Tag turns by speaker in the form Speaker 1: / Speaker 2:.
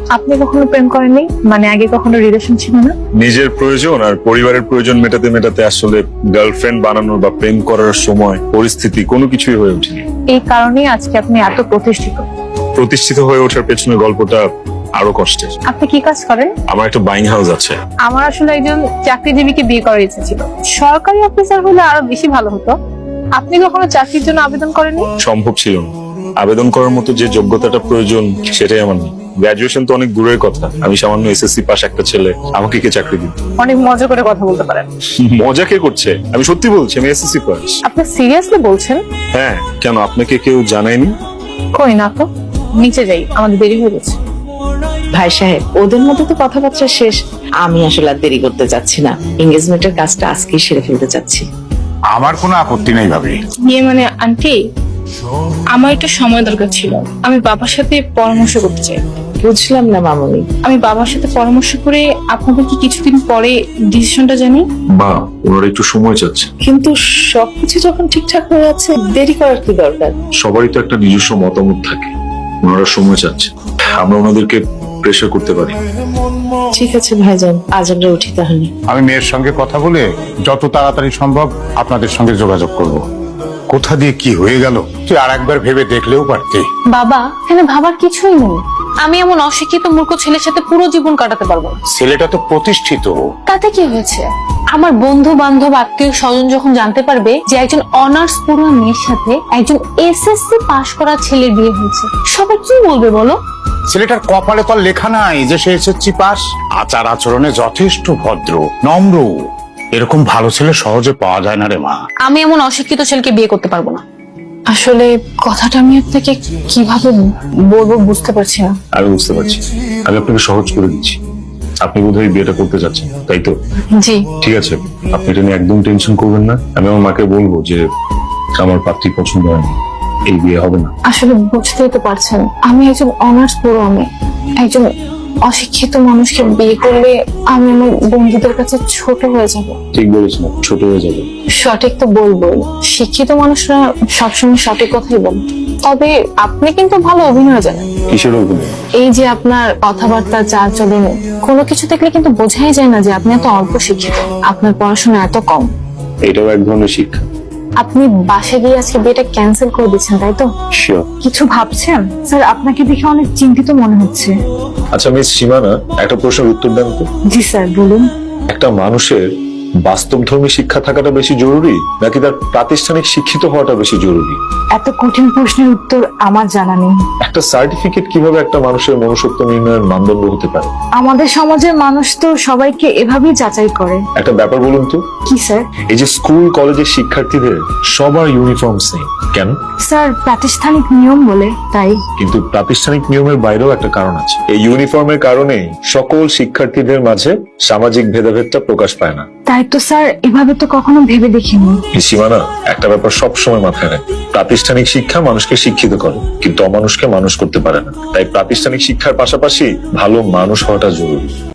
Speaker 1: আপনি কখনো প্রেম করেননি? মানে আগে কখনো রিলেশন ছিল না?
Speaker 2: নিজের প্রয়োজন আর পরিবারের প্রয়োজন মেটাতে মেটাতে আসলে গার্লফ্রেন্ড বানানোর বা প্রেম করার সময় পরিস্থিতি কোনো কিছুই হয়ে ওঠেনি।
Speaker 1: এই কারণেই আজকে আপনি এত প্রতিষ্ঠিত।
Speaker 2: প্রতিষ্ঠিত হয়ে ওঠার পেছনে গল্পটা আরো কষ্টের।
Speaker 1: আপনি কি কাজ করেন?
Speaker 2: আমার একটা বাইং হাউস আছে।
Speaker 1: আমার আসলে একজন চাকরিজীবীকে বিয়ে করার ইচ্ছে ছিল। সরকারি অফিসার হলে আরো বেশি ভালো হতো। আপনি কখনো চাকরির জন্য আবেদন করেননি?
Speaker 2: সম্ভব ছিল না। আবেদন করার মতো যে যোগ্যতাটা প্রয়োজন সেটাই আমার নেই। গ্রাজুয়েশন তো অনেক দূরের কথা, আমি সামান্য এসএসসি পাস একটা ছেলে, আমাকে কে চাকরি দিত?
Speaker 1: অনেক মজা করে কথা বলতে পারেন।
Speaker 2: মজা কে করছে? আমি সত্যি বলছি, আমি এসএসসি পাস।
Speaker 1: আপনি সিরিয়াসলি বলছেন?
Speaker 2: হ্যাঁ, কেন আপনাকে কেউ জানায়নি?
Speaker 1: কই না তো। নিচে যাই, আমাদের দেরি হয়ে গেছে।
Speaker 3: ভাই সাহেব, ওদের মধ্যে তো কথাবার্তা শেষ। আমি আসলে আর দেরি করতে চাচ্ছি না, এঙ্গেজমেন্টের কাজটা আজকেই সেরে ফেলতে চাচ্ছি।
Speaker 4: আমার কোনো আপত্তি নেই ভাবি।
Speaker 1: ইয়ে মানে আন্টি, আমার একটু সময় দরকার ছিল। আমি বাবার সাথে পরামর্শ করতে চাই।
Speaker 3: বুঝলাম না মামনি।
Speaker 1: আমি বাবার সাথে পরামর্শ করে আপনাদের কি কিছুদিন পরে ডিসিশনটা জানি।
Speaker 2: মা, ওনারা একটু সময় চাচ্ছে।
Speaker 3: কিন্তু সবকিছু যখন ঠিকঠাক হয়ে যাচ্ছে, দেরি করার কি দরকার?
Speaker 2: সবারই তো একটা নিজস্ব মতামত থাকে। ওনারা সময় চাচ্ছে, আমরা ওনাদেরকে প্রেশার করতে পারি।
Speaker 3: ঠিক আছে ভাইজান, আজ আমরা উঠি তাহলে।
Speaker 4: আমি মেয়ের সঙ্গে কথা বলে যত তাড়াতাড়ি সম্ভব আপনাদের সঙ্গে যোগাযোগ করব। কোথা দিয়ে কি হয়ে গেল তুই আর একবার ভেবে দেখলেও পারতি।
Speaker 1: বাবা, এখানে ভাবার কিছুই নেই। আমি এমন অশিক্ষিত মূর্খ ছেলের সাথে পুরো জীবন কাটাতে পারবো না।
Speaker 4: ছেলেটা তো প্রতিষ্ঠিত।
Speaker 1: তাতে কি হয়েছে? আমার বন্ধু বান্ধব আত্মীয় স্বজন যখন জানতে পারবে যে একজন অনার্স পড়ুয়া মেয়ের সাথে একজন এসএসসি পাশ করা ছেলের বিয়ে হয়েছে, সবাই কি বলবে বলো?
Speaker 4: ছেলেটার কপালে তো আর লেখা নাই যে সে এসএসসি পাস। আচার আচরণে যথেষ্ট ভদ্র, নম্র। এরকম ভালো ছেলে সহজে পাওয়া যায় না রে মা।
Speaker 1: আমি এমন অশিক্ষিত ছেলেকে বিয়ে করতে পারবো না। আসলে কথাটা আমি আপনাকে কিভাবে বলবো বুঝতে পারছি না।
Speaker 2: আমি বুঝতে পারছি, আমি আপনাকে সহজ করে দিচ্ছি। আপনি বোধহয় বিয়েটা করতে চাচ্ছেন, তাই তো?
Speaker 1: জি।
Speaker 2: ঠিক আছে, আপনি এটা নিয়ে একদম টেনশন করবেন না। আমি আমার মাকে বলবো যে আমার পাত্রী পছন্দ হয়নি, এই বিয়ে হবে না।
Speaker 1: আসলে বুঝতেই তো পারছেন, আমি একজন অনার্স পড়ুয়া মেয়ে। একজন অশিক্ষিত মানুষকে বিয়ে করলে আমি আমার বন্ধুদের কাছে ছোট হয়ে যাব।
Speaker 2: ঠিক বলেছেন, ছোট হয়ে যাবে।
Speaker 1: সঠিক তো বলবোই, শিক্ষিত মানুষরা সবসময় সঠিক কথাই বলে। তবে আপনি কিন্তু ভালো অভিনয় জানেন।
Speaker 2: কিসের অভিনয়?
Speaker 1: এই যে আপনার কথাবার্তা, চাল চলন, কোনো কিছু দেখলে কিন্তু বোঝাই যায় না যে আপনি এত অল্প শিক্ষিত, আপনার পড়াশোনা এত কম।
Speaker 2: এটাও এক ধরনের শিক্ষা।
Speaker 1: আপনি বাসে গিয়ে আজকে বিয়েটা ক্যান্সেল করে দিচ্ছেন, তাই তো?
Speaker 2: শিওর।
Speaker 1: কিছু ভাবছেন? স্যার, আপনাকে দেখে অনেক চিন্তিত মনে হচ্ছে।
Speaker 2: আচ্ছা মিস সীমানা, একটা প্রশ্নের উত্তর দেন তো।
Speaker 1: জি স্যার, বলুন।
Speaker 2: একটা মানুষের বাস্তবধর্মী শিক্ষা থাকাটা বেশি জরুরি নাকি তার প্রাতিষ্ঠানিক শিক্ষিত হওয়াটা বেশি জরুরি?
Speaker 1: এত কঠিন প্রশ্নের উত্তর আমার জানা নেই।
Speaker 2: একটা সার্টিফিকেট কিভাবে একটা মানুষের মনুষ্যত্ব নির্ণয়ের মানদণ্ড হতে পারে?
Speaker 1: আমাদের সমাজের মানুষ তো সবাইকে এভাবেই যাচাই করে।
Speaker 2: একটা ব্যাপার বলুন তো,
Speaker 1: কি স্যার?
Speaker 2: এই যে স্কুল কলেজের শিক্ষার্থীদের সবার ইউনিফর্ম সেম কেন?
Speaker 1: স্যার, প্রাতিষ্ঠানিক নিয়ম বলে তাই।
Speaker 2: কিন্তু প্রাতিষ্ঠানিক নিয়মের বাইরেও একটা কারণ আছে। এই ইউনিফর্মের কারণে সকল শিক্ষার্থীদের মাঝে সামাজিক ভেদাভেদটা প্রকাশ পায় না।
Speaker 1: তাই তো স্যার, এভাবে তো কখনো ভেবে দেখিনি।
Speaker 2: সীমানা, একটা ব্যাপার সবসময় মাথায় রাখে, প্রাতিষ্ঠানিক শিক্ষা মানুষকে শিক্ষিত করে কিন্তু অমানুষকে মানুষ করতে পারে না। তাই প্রাতিষ্ঠানিক শিক্ষার পাশাপাশি ভালো মানুষ হওয়াটা জরুরি।